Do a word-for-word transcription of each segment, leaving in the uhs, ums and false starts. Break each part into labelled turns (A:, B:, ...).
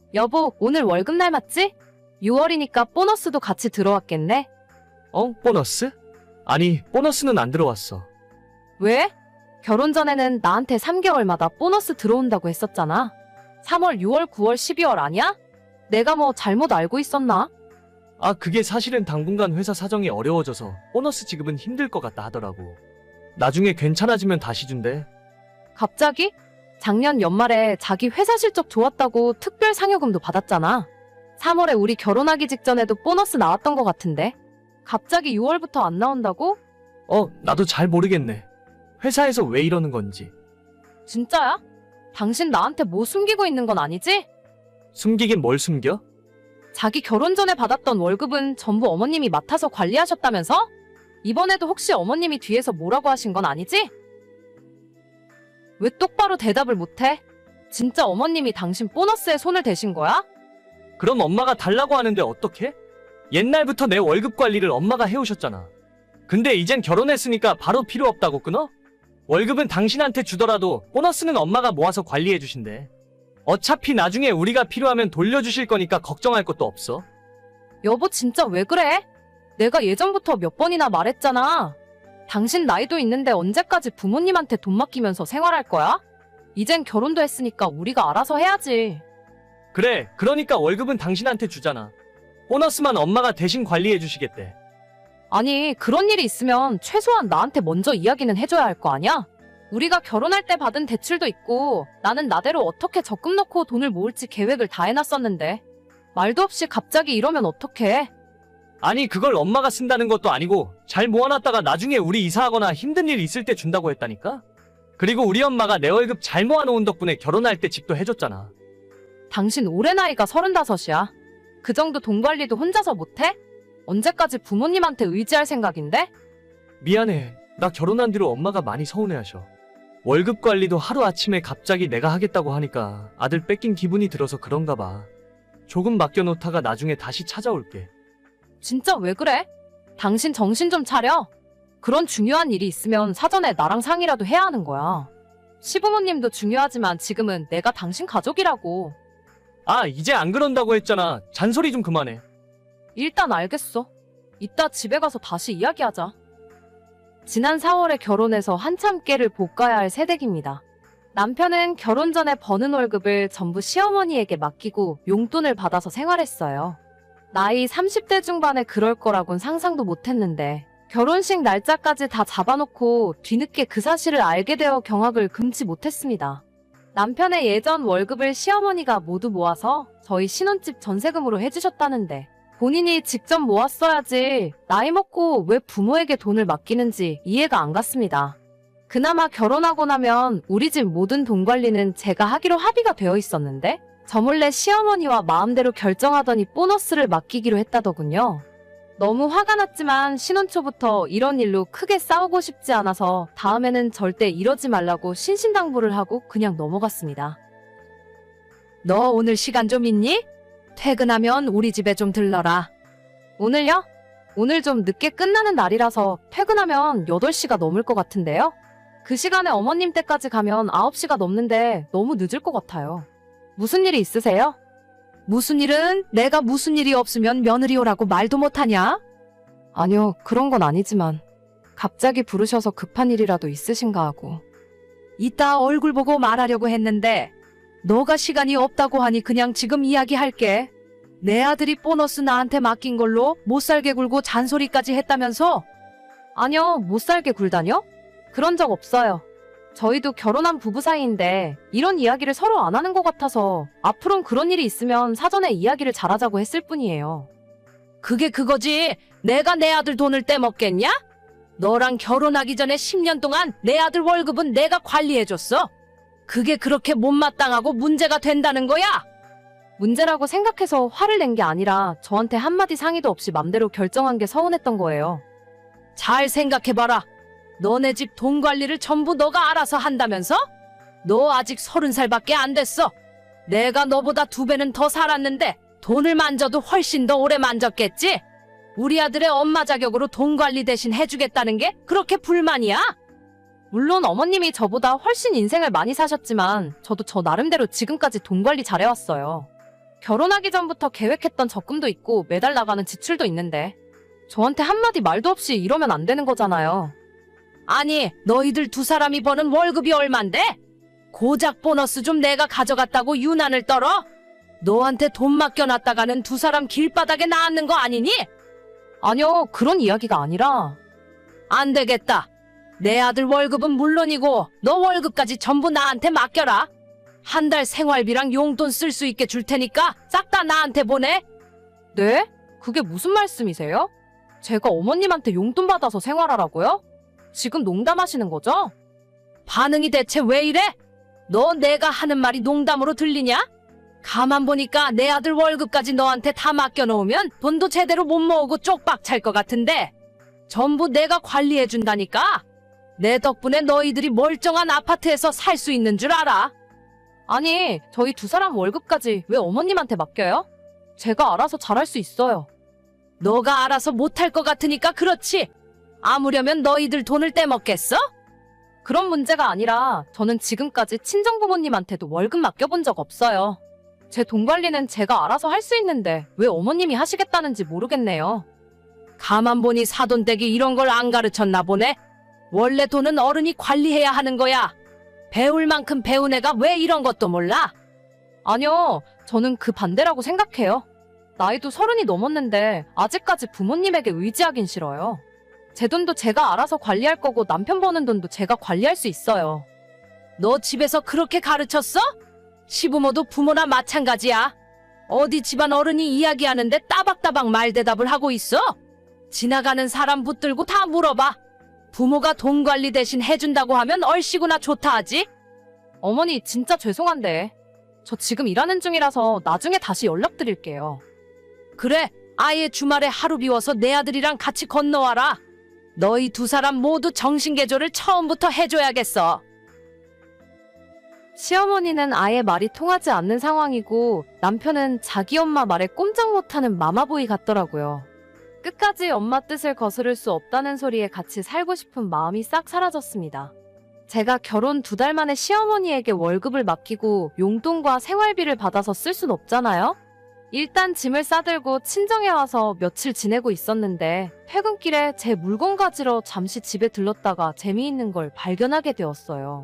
A: 여보, 오늘 월급날 맞지? 유월이니까 보너스도 같이 들어왔겠네?
B: 어? 보너스? 아니, 보너스는 안 들어왔어.
A: 왜? 결혼 전에는 나한테 삼 개월마다 보너스 들어온다고 했었잖아. 삼월, 유월, 구월, 십이월 아니야? 내가 뭐 잘못 알고 있었나?
B: 아, 그게 사실은 당분간 회사 사정이 어려워져서 보너스 지급은 힘들 것 같다 하더라고. 나중에 괜찮아지면 다시 준대.
A: 갑자기? 작년 연말에 자기 회사 실적 좋았다고 특별 상여금도 받았잖아. 삼월에 우리 결혼하기 직전에도 보너스 나왔던 것 같은데. 갑자기 유월부터 안 나온다고?
B: 어, 나도 잘 모르겠네. 회사에서 왜 이러는 건지.
A: 진짜야? 당신 나한테 뭐 숨기고 있는 건 아니지?
B: 숨기긴 뭘 숨겨?
A: 자기 결혼 전에 받았던 월급은 전부 어머님이 맡아서 관리하셨다면서? 이번에도 혹시 어머님이 뒤에서 뭐라고 하신 건 아니지? 왜 똑바로 대답을 못해? 진짜 어머님이 당신 보너스에 손을 대신 거야?
B: 그럼 엄마가 달라고 하는데 어떡해? 옛날부터 내 월급 관리를 엄마가 해오셨잖아. 근데 이젠 결혼했으니까 바로 필요 없다고 끊어? 월급은 당신한테 주더라도 보너스는 엄마가 모아서 관리해 주신대. 어차피 나중에 우리가 필요하면 돌려주실 거니까 걱정할 것도 없어.
A: 여보 진짜 왜 그래? 내가 예전부터 몇 번이나 말했잖아. 당신 나이도 있는데 언제까지 부모님한테 돈 맡기면서 생활할 거야? 이젠 결혼도 했으니까 우리가 알아서 해야지.
B: 그래, 그러니까 월급은 당신한테 주잖아. 보너스만 엄마가 대신 관리해 주시겠대.
A: 아니 그런 일이 있으면 최소한 나한테 먼저 이야기는 해줘야 할 거 아니야? 우리가 결혼할 때 받은 대출도 있고 나는 나대로 어떻게 적금 넣고 돈을 모을지 계획을 다 해놨었는데 말도 없이 갑자기 이러면 어떡해?
B: 아니, 그걸 엄마가 쓴다는 것도 아니고 잘 모아놨다가 나중에 우리 이사하거나 힘든 일 있을 때 준다고 했다니까? 그리고 우리 엄마가 내 월급 잘 모아놓은 덕분에 결혼할 때 집도 해줬잖아.
A: 당신 올해 나이가 서른다섯이야. 그 정도 돈 관리도 혼자서 못해? 언제까지 부모님한테 의지할 생각인데?
B: 미안해. 나 결혼한 뒤로 엄마가 많이 서운해하셔. 월급 관리도 하루아침에 갑자기 내가 하겠다고 하니까 아들 뺏긴 기분이 들어서 그런가 봐. 조금 맡겨놓다가 나중에 다시 찾아올게.
A: 진짜 왜 그래? 당신 정신 좀 차려. 그런 중요한 일이 있으면 사전에 나랑 상의라도 해야 하는 거야. 시부모님도 중요하지만 지금은 내가 당신 가족이라고.
B: 아, 이제 안 그런다고 했잖아. 잔소리 좀 그만해.
A: 일단 알겠어. 이따 집에 가서 다시 이야기하자. 지난 사월에 결혼해서 한참 깨를 볶아야 할 새댁입니다. 남편은 결혼 전에 버는 월급을 전부 시어머니에게 맡기고 용돈을 받아서 생활했어요. 나이 삼십 대 중반에 그럴 거라곤 상상도 못했는데 결혼식 날짜까지 다 잡아놓고 뒤늦게 그 사실을 알게 되어 경악을 금치 못했습니다. 남편의 예전 월급을 시어머니가 모두 모아서 저희 신혼집 전세금으로 해주셨다는데 본인이 직접 모았어야지 나이 먹고 왜 부모에게 돈을 맡기는지 이해가 안 갔습니다. 그나마 결혼하고 나면 우리 집 모든 돈 관리는 제가 하기로 합의가 되어 있었는데 저 몰래 시어머니와 마음대로 결정하더니 보너스를 맡기기로 했다더군요. 너무 화가 났지만 신혼 초부터 이런 일로 크게 싸우고 싶지 않아서 다음에는 절대 이러지 말라고 신신당부를 하고 그냥 넘어갔습니다. 너 오늘 시간 좀 있니? 퇴근하면 우리 집에 좀 들러라. 오늘요? 오늘 좀 늦게 끝나는 날이라서 퇴근하면 여덟 시가 넘을 것 같은데요? 그 시간에 어머님 댁까지 가면 아홉 시가 넘는데 너무 늦을 것 같아요. 무슨 일이 있으세요? 무슨 일은 내가 무슨 일이 없으면 며느리 오라고 말도 못하냐? 아니요, 그런 건 아니지만 갑자기 부르셔서 급한 일이라도 있으신가 하고. 이따 얼굴 보고 말하려고 했는데 너가 시간이 없다고 하니 그냥 지금 이야기할게. 내 아들이 보너스 나한테 맡긴 걸로 못살게 굴고 잔소리까지 했다면서? 아니요, 못살게 굴다뇨? 그런 적 없어요. 저희도 결혼한 부부 사이인데 이런 이야기를 서로 안 하는 것 같아서 앞으론 그런 일이 있으면 사전에 이야기를 잘하자고 했을 뿐이에요. 그게 그거지. 내가 내 아들 돈을 떼먹겠냐? 너랑 결혼하기 전에 십 년 동안 내 아들 월급은 내가 관리해줬어. 그게 그렇게 못마땅하고 문제가 된다는 거야? 문제라고 생각해서 화를 낸 게 아니라 저한테 한마디 상의도 없이 맘대로 결정한 게 서운했던 거예요. 잘 생각해봐라. 너네 집 돈 관리를 전부 너가 알아서 한다면서? 너 아직 서른 살밖에 안 됐어. 내가 너보다 두 배는 더 살았는데 돈을 만져도 훨씬 더 오래 만졌겠지? 우리 아들의 엄마 자격으로 돈 관리 대신 해주겠다는 게 그렇게 불만이야? 물론 어머님이 저보다 훨씬 인생을 많이 사셨지만 저도 저 나름대로 지금까지 돈 관리 잘해왔어요. 결혼하기 전부터 계획했던 적금도 있고 매달 나가는 지출도 있는데 저한테 한마디 말도 없이 이러면 안 되는 거잖아요. 아니, 너희들 두 사람이 버는 월급이 얼만데? 고작 보너스 좀 내가 가져갔다고 유난을 떨어? 너한테 돈 맡겨놨다가는 두 사람 길바닥에 나앉는 거 아니니? 아니요, 그런 이야기가 아니라. 안 되겠다. 내 아들 월급은 물론이고 너 월급까지 전부 나한테 맡겨라. 한 달 생활비랑 용돈 쓸 수 있게 줄 테니까 싹 다 나한테 보내. 네? 그게 무슨 말씀이세요? 제가 어머님한테 용돈 받아서 생활하라고요? 지금 농담하시는 거죠? 반응이 대체 왜 이래? 너 내가 하는 말이 농담으로 들리냐? 가만 보니까 내 아들 월급까지 너한테 다 맡겨놓으면 돈도 제대로 못 모으고 쪽박 찰 것 같은데 전부 내가 관리해준다니까? 내 덕분에 너희들이 멀쩡한 아파트에서 살 수 있는 줄 알아? 아니, 저희 두 사람 월급까지 왜 어머님한테 맡겨요? 제가 알아서 잘할 수 있어요. 너가 알아서 못할 것 같으니까 그렇지. 아무려면 너희들 돈을 떼먹겠어? 그런 문제가 아니라 저는 지금까지 친정부모님한테도 월급 맡겨본 적 없어요. 제 돈 관리는 제가 알아서 할 수 있는데 왜 어머님이 하시겠다는지 모르겠네요. 가만 보니 사돈댁이 이런 걸 안 가르쳤나 보네. 원래 돈은 어른이 관리해야 하는 거야. 배울 만큼 배운 애가 왜 이런 것도 몰라? 아니요, 저는 그 반대라고 생각해요. 나이도 서른이 넘었는데 아직까지 부모님에게 의지하긴 싫어요. 제 돈도 제가 알아서 관리할 거고 남편 버는 돈도 제가 관리할 수 있어요. 너 집에서 그렇게 가르쳤어? 시부모도 부모나 마찬가지야. 어디 집안 어른이 이야기하는데 따박따박 말대답을 하고 있어? 지나가는 사람 붙들고 다 물어봐. 부모가 돈 관리 대신 해준다고 하면 얼씨구나 좋다 하지? 어머니 진짜 죄송한데 저 지금 일하는 중이라서 나중에 다시 연락드릴게요. 그래, 아예 주말에 하루 비워서 내 아들이랑 같이 건너와라. 너희 두 사람 모두 정신개조를 처음부터 해줘야겠어. 시어머니는 아예 말이 통하지 않는 상황이고 남편은 자기 엄마 말에 꼼짝 못하는 마마보이 같더라고요. 끝까지 엄마 뜻을 거스를 수 없다는 소리에 같이 살고 싶은 마음이 싹 사라졌습니다. 제가 결혼 두 달 만에 시어머니에게 월급을 맡기고 용돈과 생활비를 받아서 쓸 순 없잖아요? 일단 짐을 싸들고 친정에 와서 며칠 지내고 있었는데 퇴근길에 제 물건 가지러 잠시 집에 들렀다가 재미있는 걸 발견하게 되었어요.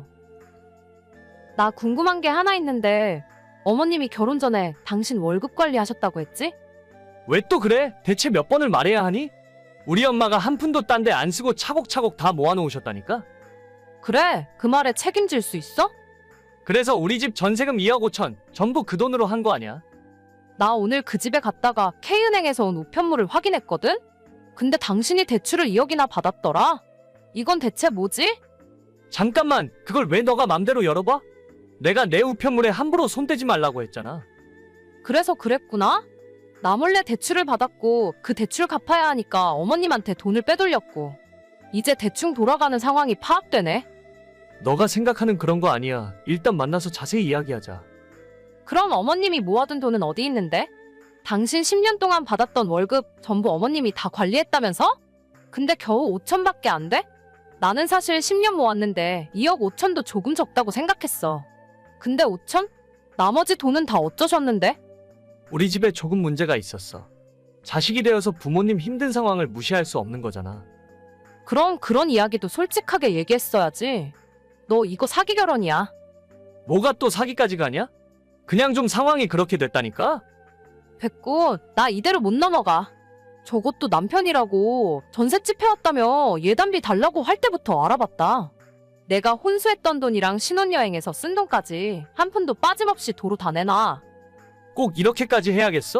A: 나 궁금한 게 하나 있는데 어머님이 결혼 전에 당신 월급 관리하셨다고 했지?
B: 왜 또 그래? 대체 몇 번을 말해야 하니? 우리 엄마가 한 푼도 딴 데 안 쓰고 차곡차곡 다 모아놓으셨다니까?
A: 그래, 그 말에 책임질 수 있어?
B: 그래서 우리 집 전세금 이억 오천 전부 그 돈으로 한 거 아니야?
A: 나 오늘 그 집에 갔다가 K은행에서 온 우편물을 확인했거든? 근데 당신이 대출을 이억이나 받았더라? 이건 대체 뭐지?
B: 잠깐만, 그걸 왜 너가 맘대로 열어봐? 내가 내 우편물에 함부로 손대지 말라고 했잖아.
A: 그래서 그랬구나? 나 몰래 대출을 받았고 그 대출 갚아야 하니까 어머님한테 돈을 빼돌렸고 이제 대충 돌아가는 상황이 파악되네.
B: 너가 생각하는 그런 거 아니야. 일단 만나서 자세히 이야기하자.
A: 그럼 어머님이 모아둔 돈은 어디 있는데? 당신 십 년 동안 받았던 월급 전부 어머님이 다 관리했다면서? 근데 겨우 오천밖에 안 돼? 나는 사실 십 년 모았는데 이억 오천도 조금 적다고 생각했어. 근데 오천? 나머지 돈은 다 어쩌셨는데?
B: 우리 집에 조금 문제가 있었어. 자식이 되어서 부모님 힘든 상황을 무시할 수 없는 거잖아.
A: 그럼 그런 이야기도 솔직하게 얘기했어야지. 너 이거 사기 결혼이야.
B: 뭐가 또 사기까지 가냐? 그냥 좀 상황이 그렇게 됐다니까?
A: 됐고, 나 이대로 못 넘어가. 저것도 남편이라고 전셋집 해왔다며 예단비 달라고 할 때부터 알아봤다. 내가 혼수했던 돈이랑 신혼여행에서 쓴 돈까지 한 푼도 빠짐없이 도로 다 내놔.
B: 꼭 이렇게까지 해야겠어?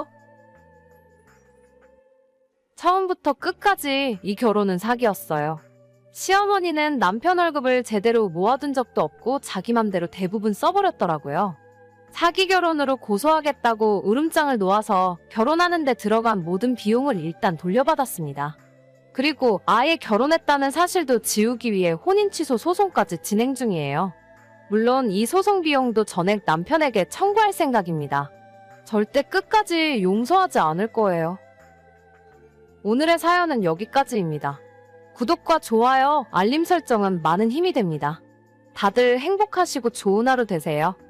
A: 처음부터 끝까지 이 결혼은 사기였어요. 시어머니는 남편 월급을 제대로 모아둔 적도 없고 자기 맘대로 대부분 써버렸더라고요. 사기 결혼으로 고소하겠다고 으름장을 놓아서 결혼하는데 들어간 모든 비용을 일단 돌려받았습니다. 그리고 아예 결혼했다는 사실도 지우기 위해 혼인 취소 소송까지 진행 중이에요. 물론 이 소송 비용도 전액 남편에게 청구할 생각입니다. 절대 끝까지 용서하지 않을 거예요. 오늘의 사연은 여기까지입니다. 구독과 좋아요, 알림 설정은 많은 힘이 됩니다. 다들 행복하시고 좋은 하루 되세요.